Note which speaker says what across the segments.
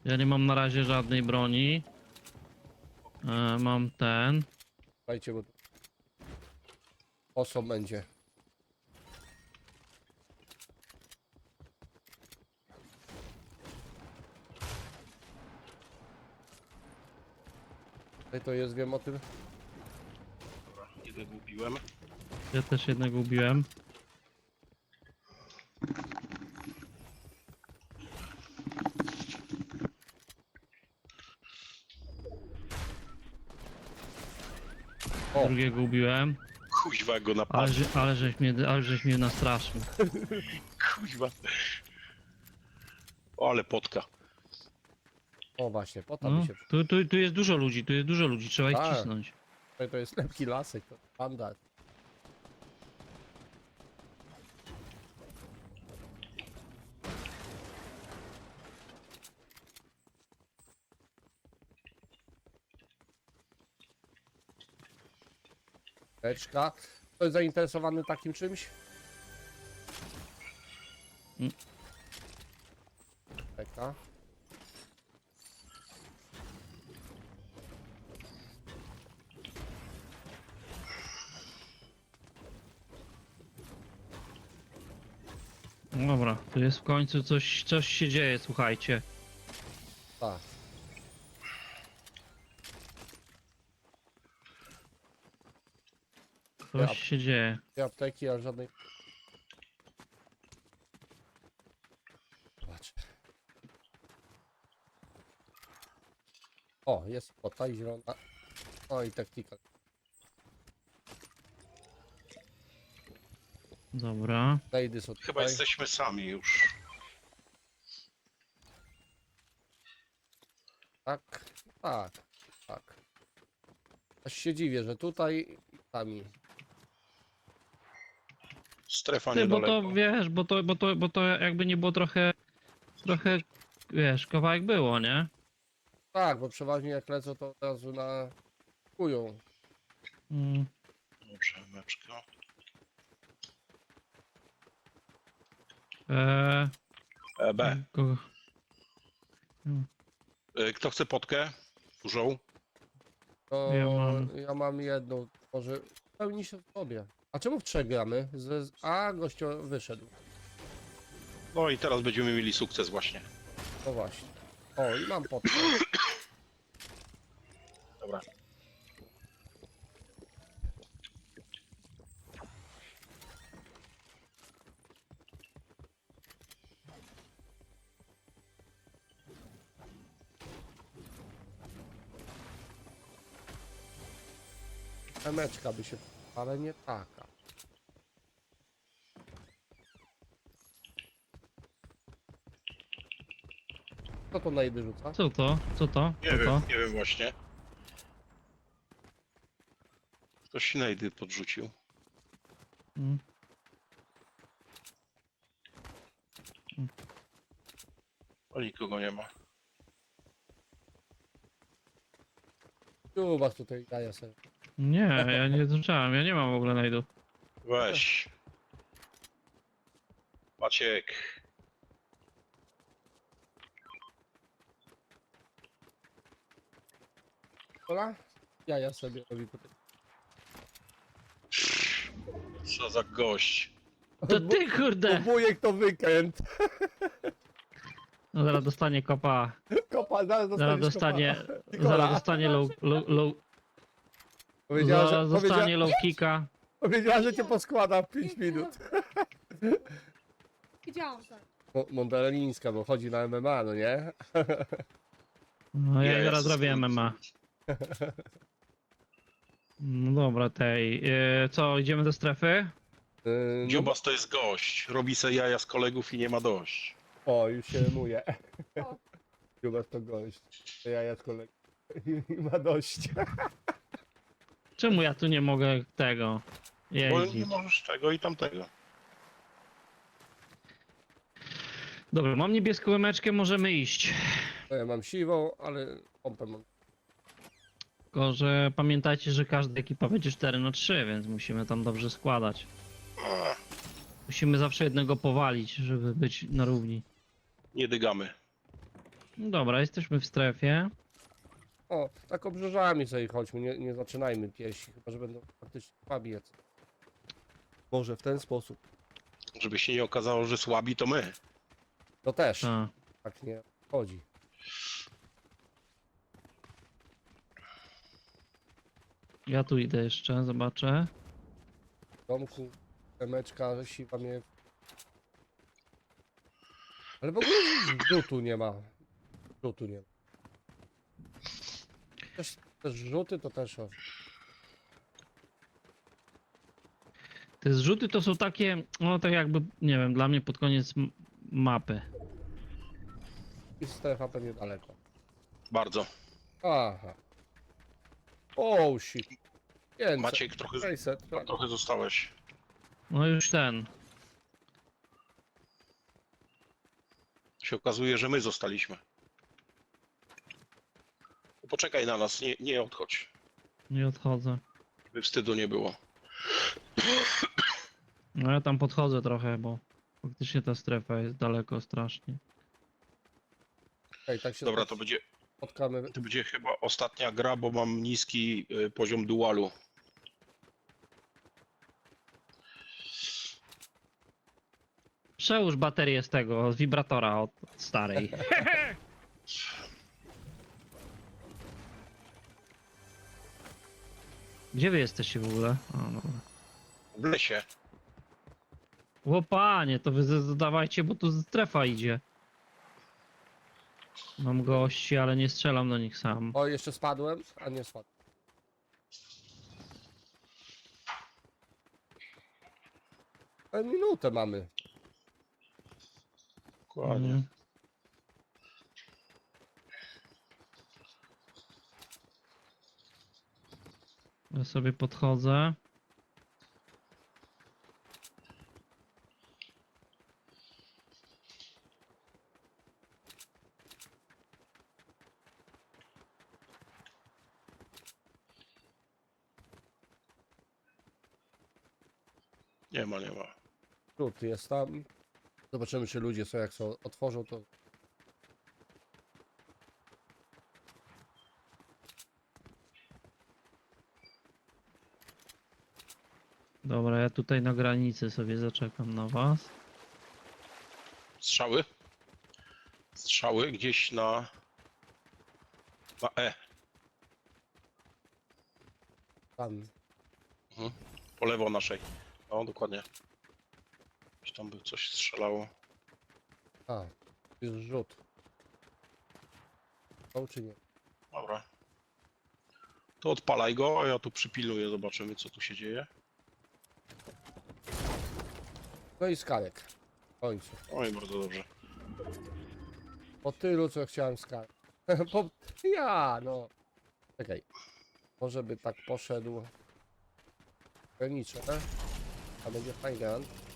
Speaker 1: Ja nie mam na razie żadnej broni. Mam ten.
Speaker 2: Słuchajcie, bo oso będzie. Tutaj to jest, wiem o tym.
Speaker 3: Dobra, jednego ubiłem.
Speaker 1: Ja też jednego ubiłem.
Speaker 2: O,
Speaker 1: Drugiego ubiłem.
Speaker 3: Kuźwa go napadł.
Speaker 1: Ale żeś mnie nastraszył.
Speaker 3: Kuźwa. O, ale potka.
Speaker 2: o właśnie, po to
Speaker 1: No,
Speaker 2: mi się...
Speaker 1: tu jest dużo ludzi, trzeba ich
Speaker 2: Tak.
Speaker 1: cisnąć.
Speaker 2: Tutaj to jest lepki lasek, to panda. Teczka. Ktoś zainteresowany takim czymś?
Speaker 1: Mm.
Speaker 2: Teka.
Speaker 1: Dobra, tu jest w końcu coś się dzieje, słuchajcie.
Speaker 2: Tak.
Speaker 1: Coś się dzieje.
Speaker 2: Dwie apteki, ale żadnej... Zobacz. O, jest pota i zielona. O, i taktika.
Speaker 1: Dobra.
Speaker 2: Lady są
Speaker 3: Chyba
Speaker 2: tutaj.
Speaker 3: jesteśmy sami już.
Speaker 2: Tak, tak, tak. Aż się dziwię, że tutaj i sami.
Speaker 3: Strefa
Speaker 1: Ty, bo
Speaker 3: niedaleko.
Speaker 1: to wiesz, bo to jakby nie było trochę, wiesz, kawałek było, nie?
Speaker 2: Tak, bo przeważnie jak lecą, to od razu na... kują.
Speaker 1: Mm.
Speaker 3: Dobrze, meczka. B.
Speaker 1: Kogo?
Speaker 3: Kto chce potkę? Dużą?
Speaker 2: To
Speaker 1: Ja
Speaker 2: ja mam jedną, może pełni się w sobie. A czemu w trzech gramy? A, gościu wyszedł.
Speaker 3: No i teraz będziemy mieli sukces właśnie.
Speaker 2: No właśnie. O, i mam potkę.
Speaker 3: Dobra.
Speaker 2: Emeczka by się... ale nie taka. Co to najdy rzuca?
Speaker 1: Co to? Co to?
Speaker 3: Nie
Speaker 1: Co
Speaker 3: wiem,
Speaker 1: to?
Speaker 3: nie wiem właśnie. Ktoś najdy podrzucił.
Speaker 1: Mm.
Speaker 3: O, nikogo nie ma.
Speaker 2: Tu was tutaj daję sobie.
Speaker 1: Nie, ja nie zacząłem, ja nie mam w ogóle najdu.
Speaker 3: Weź. Maciek.
Speaker 2: Kola? Ja sobie robię tutaj.
Speaker 3: Co za gość.
Speaker 1: To ty, kurde!
Speaker 2: Wujek to weekend.
Speaker 1: No zaraz dostanie kopa.
Speaker 2: Kopa, zaraz
Speaker 1: Zaraz
Speaker 2: dostaniesz
Speaker 1: dostanie,
Speaker 2: kopa. Nikola.
Speaker 1: zaraz dostanie
Speaker 2: Powiedziała,
Speaker 1: zaraz
Speaker 2: że,
Speaker 1: dostanie low kicka.
Speaker 2: powiedziała, że cię poskłada w 5 minut.
Speaker 4: Widziałam tak.
Speaker 2: Mondelińska, bo chodzi na MMA, no nie?
Speaker 1: No ja
Speaker 3: Jezus.
Speaker 1: zaraz zrobię MMA. No dobra, tej. Co, idziemy do strefy?
Speaker 2: No,
Speaker 3: Dziobas to jest gość. Robi se jaja z kolegów i nie ma dość.
Speaker 2: o, już się rymuje.
Speaker 4: O.
Speaker 2: Chyba to gość. To ja z kolegą. I ma dość.
Speaker 1: Czemu ja tu nie mogę tego
Speaker 3: Bo nie
Speaker 1: jeździć?
Speaker 3: możesz tego i tamtego.
Speaker 1: Dobra, mam niebieską łemeczkę, możemy iść.
Speaker 2: No ja mam siwą, ale pompę mam.
Speaker 1: Tylko, że pamiętajcie, że każda ekipa będzie 4-3, więc musimy tam dobrze składać. Musimy zawsze jednego powalić, żeby być na równi.
Speaker 3: Nie dygamy.
Speaker 1: No dobra, jesteśmy w strefie.
Speaker 2: O, tak obrzeżami sobie chodźmy, nie zaczynajmy pieści, chyba że będą faktycznie pabiec. Może w ten sposób.
Speaker 3: Żeby się nie okazało, że słabi to my.
Speaker 2: To też,
Speaker 1: Tak.
Speaker 2: tak nie chodzi.
Speaker 1: Ja tu idę jeszcze, zobaczę.
Speaker 2: W domku, temeczka, siwa mnie... Ale w ogóle rzutu nie ma. Rzutu nie ma. Też rzuty to też... O.
Speaker 1: Te zrzuty to są takie, no tak jakby, nie wiem, dla mnie pod koniec mapy.
Speaker 2: I strefa pewnie daleko.
Speaker 3: Bardzo.
Speaker 2: Aha. Oh shit. 500,
Speaker 3: Maciek, trochę,
Speaker 2: 600, tak.
Speaker 3: trochę zostałeś.
Speaker 1: No już ten.
Speaker 3: Się okazuje, że my zostaliśmy. Poczekaj na nas, nie odchodź.
Speaker 1: Nie odchodzę.
Speaker 3: By wstydu nie było.
Speaker 1: No ja tam podchodzę trochę, bo faktycznie ta strefa jest daleko strasznie.
Speaker 2: Okej, tak się
Speaker 3: Dobra, to będzie,
Speaker 2: spotkamy.
Speaker 3: to będzie chyba ostatnia gra, bo mam niski poziom dualu.
Speaker 1: Przełóż baterię z tego, z wibratora od starej. Gdzie wy jesteście w ogóle? O, dobra.
Speaker 3: W lesie.
Speaker 1: Łopanie, to wy dawajcie, bo tu strefa idzie. Mam gości, ale nie strzelam do nich sam.
Speaker 2: O, jeszcze spadłem, a nie spadłem. Minutę mamy.
Speaker 3: Dokładnie.
Speaker 1: Mhm. Ja sobie podchodzę.
Speaker 3: Nie ma, nie ma.
Speaker 2: Rzut jest tam. Zobaczymy, czy ludzie są, jak są, otworzą to.
Speaker 1: Dobra, ja tutaj na granicy sobie zaczekam na was.
Speaker 3: Strzały? Strzały gdzieś na E.
Speaker 2: Tam.
Speaker 3: Po lewo naszej. No, dokładnie. Gdzieś tam by coś strzelało.
Speaker 2: A, jest rzut. Są czy nie?
Speaker 3: Dobra. To odpalaj go, a ja tu przypilnuję, zobaczymy co tu się dzieje.
Speaker 2: No i skalek. W końcu.
Speaker 3: Oj, bardzo dobrze.
Speaker 2: Po tylu, co chciałem skalek. Po... Ja, no. Czekaj. Może by tak poszedł. Granicze. A będzie fajny.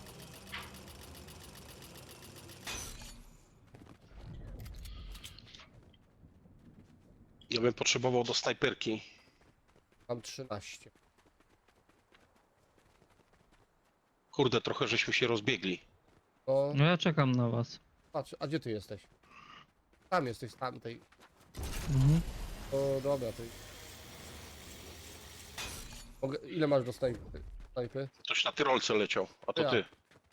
Speaker 3: Ja bym potrzebował do snajperki.
Speaker 2: Mam 13.
Speaker 3: Kurde, trochę żeśmy się rozbiegli.
Speaker 2: No,
Speaker 1: No ja czekam na was.
Speaker 2: patrz, a gdzie ty jesteś? Tam jesteś, z tamtej.
Speaker 1: Mhm.
Speaker 2: O, dobra, ty. Mogę... Ile masz do snajpy? Snajpy?
Speaker 3: Ktoś na tyrolce leciał, a to
Speaker 2: Ja.
Speaker 3: ty.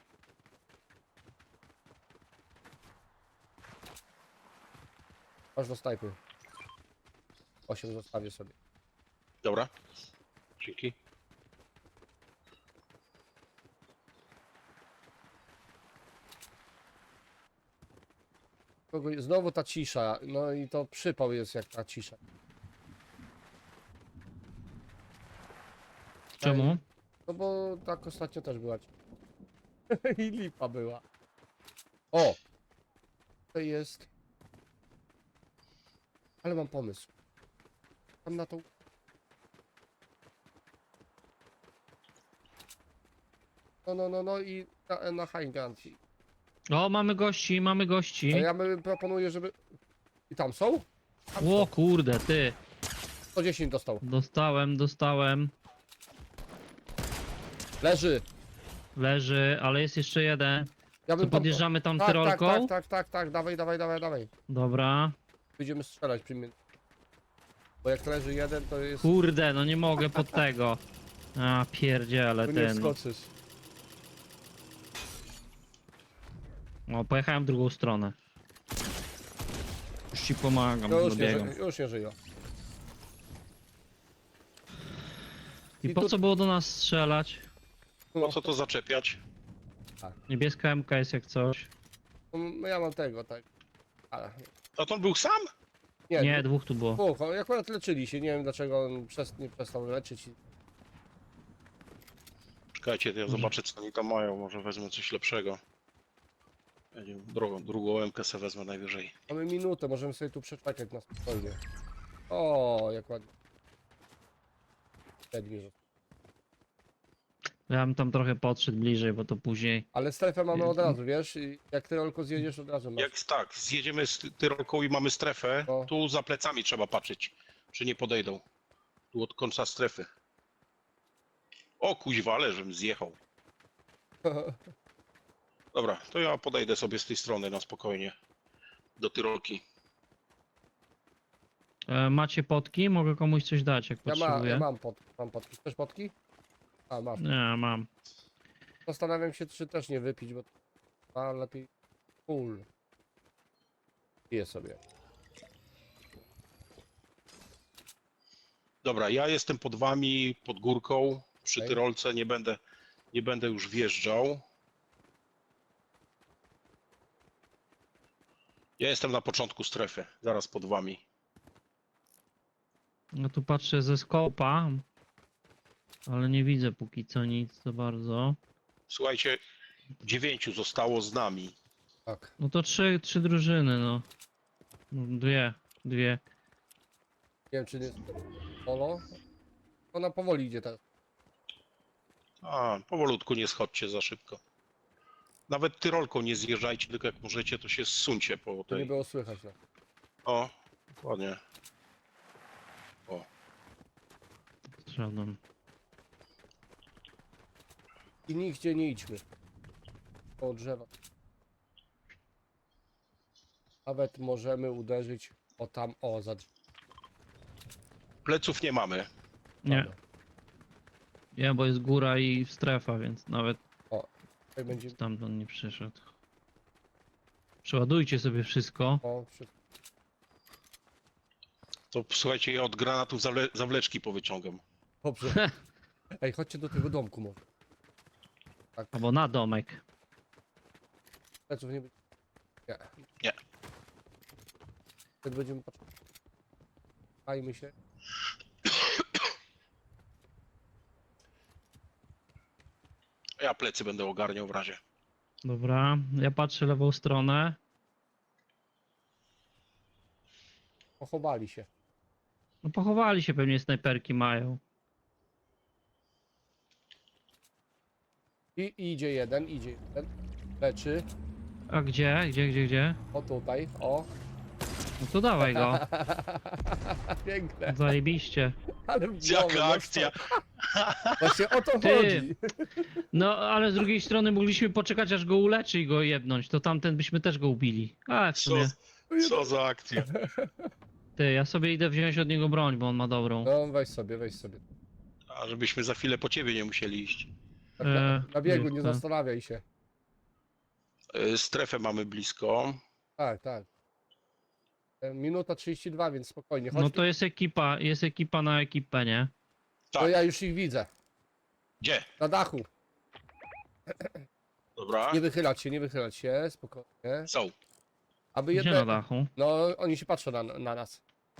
Speaker 2: Masz do snajpy. 8 zostawię sobie.
Speaker 3: Dobra. Dzięki.
Speaker 2: Znowu ta cisza, no i to przypał jest jak ta cisza.
Speaker 1: Czemu?
Speaker 2: No bo tak ostatnio też była. I lipa była. O! To jest... Ale mam pomysł. Tam na tą... No i na high ground.
Speaker 1: O, mamy gości, mamy
Speaker 2: A
Speaker 1: gości.
Speaker 2: ja bym proponuję, żeby... I tam są? Tam
Speaker 1: O
Speaker 2: są.
Speaker 1: kurde, ty.
Speaker 2: 110 dostał.
Speaker 1: Dostałem.
Speaker 2: Leży.
Speaker 1: Leży, ale jest jeszcze jeden.
Speaker 2: Ja
Speaker 1: To
Speaker 2: bym tam...
Speaker 1: podjeżdżamy tam
Speaker 2: Tak, tak,
Speaker 1: tyrolką?
Speaker 2: tak, dawaj, dawaj, dawaj, dawaj.
Speaker 1: Dobra.
Speaker 2: Będziemy strzelać przy mnie. Bo jak leży jeden, to jest...
Speaker 1: Kurde, no nie mogę pod tego. A, pierdziele
Speaker 2: Tu nie
Speaker 1: ten. No.
Speaker 2: wskoczysz.
Speaker 1: O, pojechałem w drugą stronę. Już ci pomagam,
Speaker 2: No już nie,
Speaker 1: dobiegam.
Speaker 2: już nie żyje.
Speaker 1: I
Speaker 2: I
Speaker 1: po
Speaker 2: tu-
Speaker 1: co było do nas strzelać?
Speaker 3: Po co to zaczepiać?
Speaker 1: Niebieska MK jest jak coś.
Speaker 2: No ja mam tego, tak. Ale...
Speaker 3: A to on był sam?
Speaker 1: Nie, dwóch tu było.
Speaker 2: dwóch, oni akurat leczyli się, nie wiem dlaczego on nie przestał leczyć.
Speaker 3: Czekajcie, ja zobaczę co oni tam mają, może wezmę coś lepszego. Ja nie wiem, drugą MK se wezmę najwyżej.
Speaker 2: Mamy minutę, możemy sobie tu przeczekać na spokojnie. O, jak ładnie. Siedmiu.
Speaker 1: Ja bym tam trochę podszedł bliżej, bo to później.
Speaker 2: Ale strefę mamy od razu, wiesz? I jak ty rolko zjedziesz od razu masz.
Speaker 3: Jak tak, zjedziemy z Tyrolką i mamy strefę,
Speaker 2: No.
Speaker 3: tu za plecami trzeba patrzeć, czy nie podejdą. Tu od końca strefy. O kuźwa, ale żebym zjechał. Dobra, to ja podejdę sobie z tej strony na spokojnie. Do Tyrolki.
Speaker 1: Macie potki? Mogę komuś coś dać, jak potrzebuję.
Speaker 2: Ja mam potki. Chcesz potki? A, masz.
Speaker 1: Nie, mam.
Speaker 2: Zastanawiam się, czy też nie wypić, bo a lepiej full. Piję sobie.
Speaker 3: Dobra, ja jestem pod wami, pod górką, przy
Speaker 2: Okej.
Speaker 3: Tyrolce, nie będę już wjeżdżał. Ja jestem na początku strefy, zaraz pod wami.
Speaker 1: No tu patrzę ze skopa, ale nie widzę póki co nic za bardzo.
Speaker 3: Słuchajcie, 9 zostało z nami.
Speaker 2: Tak.
Speaker 1: No to trzy drużyny, no. No, dwie.
Speaker 2: Nie wiem, czy nie jest solo. Ona powoli idzie teraz.
Speaker 3: A, powolutku, nie schodźcie za szybko. Nawet Tyrolką nie zjeżdżajcie, tylko jak możecie, to się zsuńcie po
Speaker 2: To nie
Speaker 3: tej...
Speaker 2: było słychać. No.
Speaker 3: O, dokładnie. O,
Speaker 1: Żaden.
Speaker 2: I nigdzie nie idźmy. Po drzewa. Nawet możemy uderzyć o tam, o za drzewo.
Speaker 3: pleców nie mamy.
Speaker 1: Nie. Nie, bo jest góra i strefa, więc nawet
Speaker 2: Tutaj będzie.
Speaker 1: stamtąd nie przyszedł. Przeładujcie sobie wszystko.
Speaker 2: O, wszystko.
Speaker 3: To słuchajcie, ja od granatów zawleczki powyciągam.
Speaker 2: Dobrze. Ej, chodźcie do tego domku może. Tak,
Speaker 1: Albo na domek.
Speaker 2: pleców nie będzie. Nie.
Speaker 3: Nie.
Speaker 2: Wtedy będziemy patrzeć. Fajmy się.
Speaker 3: Ja plecy będę ogarniał w razie.
Speaker 1: Dobra, ja patrzę lewą stronę.
Speaker 2: Pochowali się.
Speaker 1: No pochowali się, pewnie snajperki mają.
Speaker 2: I idzie jeden. Leczy.
Speaker 1: A gdzie?
Speaker 2: O tutaj, o.
Speaker 1: No to dawaj go.
Speaker 2: Piękne.
Speaker 1: Zajebiście.
Speaker 2: Ale w
Speaker 3: Jaka
Speaker 2: głowę
Speaker 3: akcja!
Speaker 2: dostał. Właśnie o to
Speaker 1: Ty.
Speaker 2: chodzi.
Speaker 1: No, ale z drugiej strony mogliśmy poczekać, aż go uleczy i go jebnąć. To tamten byśmy też go ubili. A, w
Speaker 3: Co,
Speaker 1: sumie.
Speaker 3: co za akcja.
Speaker 1: Ty, ja sobie idę wziąć od niego broń, bo on ma dobrą.
Speaker 2: No weź sobie, weź sobie.
Speaker 3: A żebyśmy za chwilę po ciebie nie musieli iść.
Speaker 2: Tak na biegu,
Speaker 1: już
Speaker 2: nie
Speaker 1: to.
Speaker 2: zastanawiaj się.
Speaker 3: Strefę mamy blisko.
Speaker 2: Tak, tak. Minuta 32, więc spokojnie. Chodź,
Speaker 1: No to jest ekipa na ekipę, nie?
Speaker 2: to
Speaker 3: Tak.
Speaker 2: ja już ich widzę.
Speaker 3: Gdzie?
Speaker 2: Na dachu.
Speaker 3: Dobra.
Speaker 2: Nie wychylać się, spokojnie.
Speaker 3: Są.
Speaker 2: Aby
Speaker 1: Gdzie na
Speaker 2: jedne...
Speaker 1: dachu?
Speaker 2: No, oni się patrzą na nas.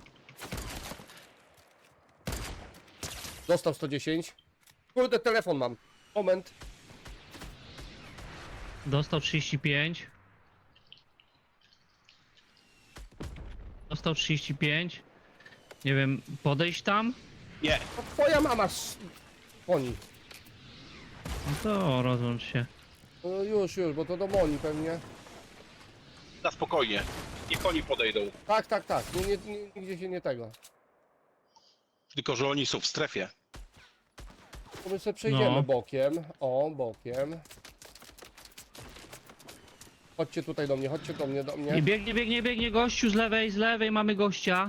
Speaker 2: Dostał 110. Kurde, telefon mam. Moment.
Speaker 1: Dostał 35. Dostał 35. Nie wiem, podejść tam?
Speaker 3: Nie.
Speaker 2: To twoja mama Oni.
Speaker 1: No to rozłącz się.
Speaker 2: No już, bo to do Moni pewnie.
Speaker 3: Na spokojnie. Niech oni podejdą.
Speaker 2: Tak. Nigdzie się nie tego.
Speaker 3: Tylko, że oni są w strefie.
Speaker 2: To my sobie przejdziemy
Speaker 1: No.
Speaker 2: bokiem. O, bokiem. Chodźcie tutaj do mnie, chodźcie do mnie, do
Speaker 1: I
Speaker 2: mnie.
Speaker 1: biegnie gościu z lewej mamy gościa.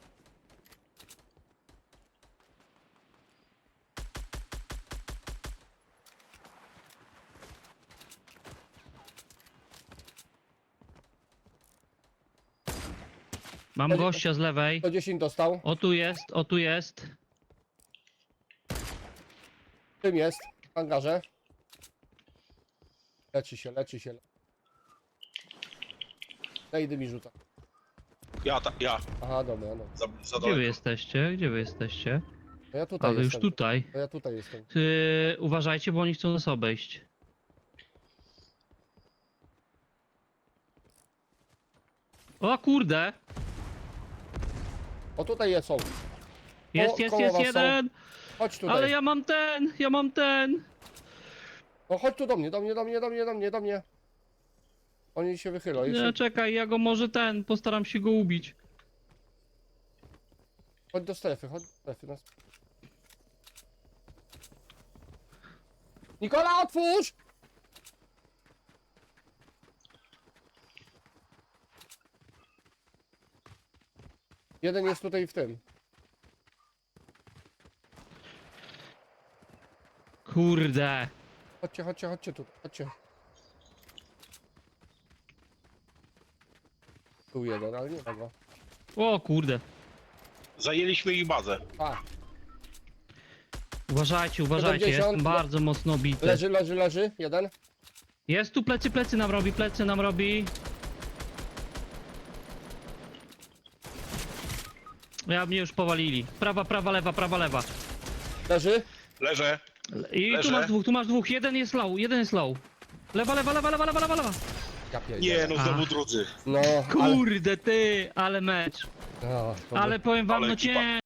Speaker 1: Mam gościa z lewej.
Speaker 2: 110 dostał.
Speaker 1: O tu jest, o tu jest.
Speaker 2: Tym jest, w hangarze. Leczy się, leczy się. Nejdy mi rzuca.
Speaker 3: Ja,
Speaker 2: Aha, dobra, no.
Speaker 3: za
Speaker 1: Gdzie wy
Speaker 3: daleko.
Speaker 1: jesteście? Gdzie wy jesteście?
Speaker 2: To ja tutaj
Speaker 1: A wy już
Speaker 2: jestem.
Speaker 1: tutaj.
Speaker 2: To ja tutaj jestem.
Speaker 1: Uważajcie, bo oni chcą nas obejść. O kurde!
Speaker 2: O, tutaj są.
Speaker 1: Jest
Speaker 2: koło was są.
Speaker 1: jeden!
Speaker 2: Chodź tutaj.
Speaker 1: Ale ja mam ten!
Speaker 2: No chodź tu do mnie, do mnie, do mnie, do mnie, do mnie, do mnie. Oni się wychylą.
Speaker 1: Nie, czekaj, ja go może postaram się go ubić.
Speaker 2: Chodź do strefy, chodź do strefy. Nas... Nikola, otwórz! Jeden jest tutaj w tym.
Speaker 1: Kurde!
Speaker 2: Chodźcie, chodźcie, chodźcie tu, chodźcie. Tu jeden, ale nie ma go.
Speaker 1: O kurde!
Speaker 3: Zajęliśmy ich bazę.
Speaker 2: A,
Speaker 1: Uważajcie,
Speaker 2: 70,
Speaker 1: jestem bardzo mocno bity.
Speaker 2: leży, leży, leży, jeden.
Speaker 1: Jest tu plecy nam robi. Ja mnie już powalili. Prawa, lewa.
Speaker 2: Leży.
Speaker 3: Leżę.
Speaker 1: I
Speaker 3: Leżę.
Speaker 1: tu masz dwóch. Jeden jest low. Lewa.
Speaker 2: Ja pierdzielę.
Speaker 3: Nie, no znowu drudzy.
Speaker 2: No, ale...
Speaker 1: Kurde ty, ale mecz.
Speaker 2: No,
Speaker 1: Ale powiem wam,
Speaker 3: Ale
Speaker 1: no
Speaker 3: ekipa.
Speaker 1: cię.